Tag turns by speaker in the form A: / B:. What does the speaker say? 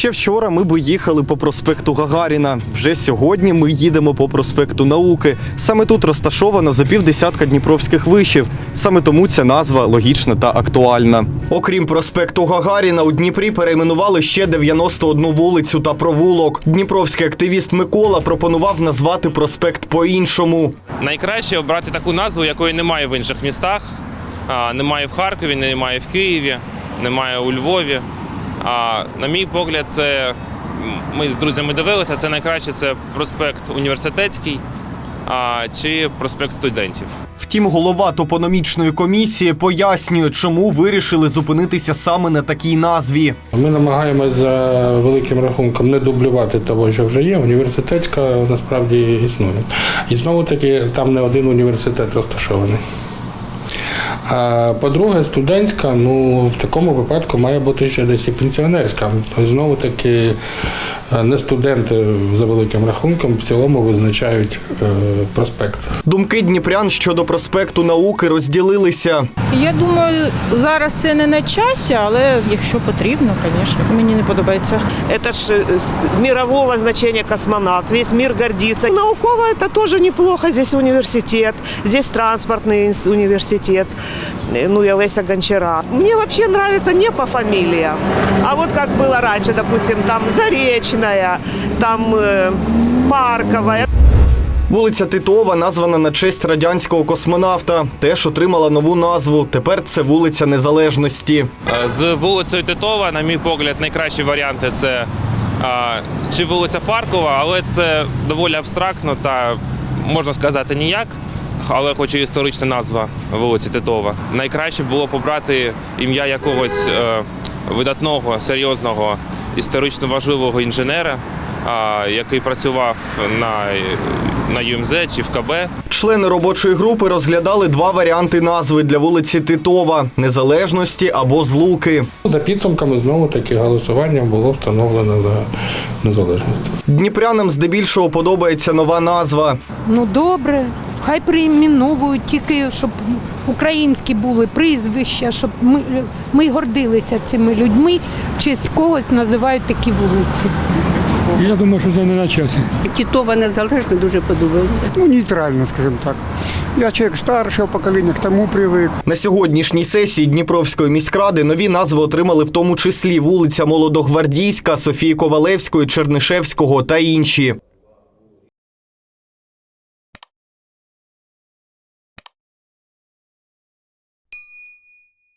A: Ще вчора ми би їхали по проспекту Гагаріна. Вже сьогодні ми їдемо по проспекту Науки. Саме тут розташовано за півдесятка дніпровських вишів. Саме тому ця назва логічна та актуальна. Окрім проспекту Гагаріна, у Дніпрі перейменували ще 91 вулицю та провулок. Дніпровський активіст Микола пропонував назвати проспект по-іншому.
B: Найкраще обрати таку назву, якої немає в інших містах. Немає в Харкові, немає в Києві, немає у Львові. На мій погляд, ми з друзями дивилися, це найкраще це проспект Університетський чи проспект Студентів.
A: Втім, голова топономічної комісії пояснює, чому вирішили зупинитися саме на такій назві.
C: Ми намагаємося за великим рахунком не дублювати того, що вже є. Університетська насправді існує. І знову-таки там не один університет розташований. А по-друге, студентська, в такому випадку має бути ще десь і пенсіонерська. Знову-таки не студенти за великим рахунком в цілому визначають проспект.
A: Думки дніпрян щодо проспекту Науки розділилися.
D: Я думаю, зараз це не на часі, але якщо потрібно, звісно, мені не подобається.
E: Это ж мирового значения космонавт, весь мир гордится. Науково это тоже неплохо, здесь университет, здесь транспортный университет, и Олеся Гончара. Мне вообще нравится не по фамилиям, а вот как было раньше, допустим, там Заречная, там Парковая.
A: Вулиця Титова названа на честь радянського космонавта. Теж отримала нову назву. Тепер це вулиця Незалежності.
B: З вулицею Титова, на мій погляд, найкращі варіанти – це чи вулиця Паркова, але це доволі абстрактно та, можна сказати, ніяк. Але хоч і історична назва вулиці Титова. Найкраще було обрати ім'я якогось видатного, серйозного, історично важливого інженера, який працював на ЮМЗ чи в КБ.
A: Члени робочої групи розглядали два варіанти назви для вулиці Титова – Незалежності або Злуки.
C: За підсумками знову-таки голосуванням було встановлено за незалежність.
A: Дніпрянам здебільшого подобається нова назва.
F: Добре, хай перейменовують, тільки щоб українські були прізвища, щоб ми гордилися цими людьми, в честь когось називають такі вулиці.
G: Я думаю, що це не на часі.
H: Титова Незалежна дуже подобається.
G: Нейтрально, скажімо так. Я чоловік старшого покоління, к тому привик.
A: На сьогоднішній сесії Дніпровської міськради нові назви отримали в тому числі вулиця Молодогвардійська, Софії Ковалевської, Чернишевського та інші.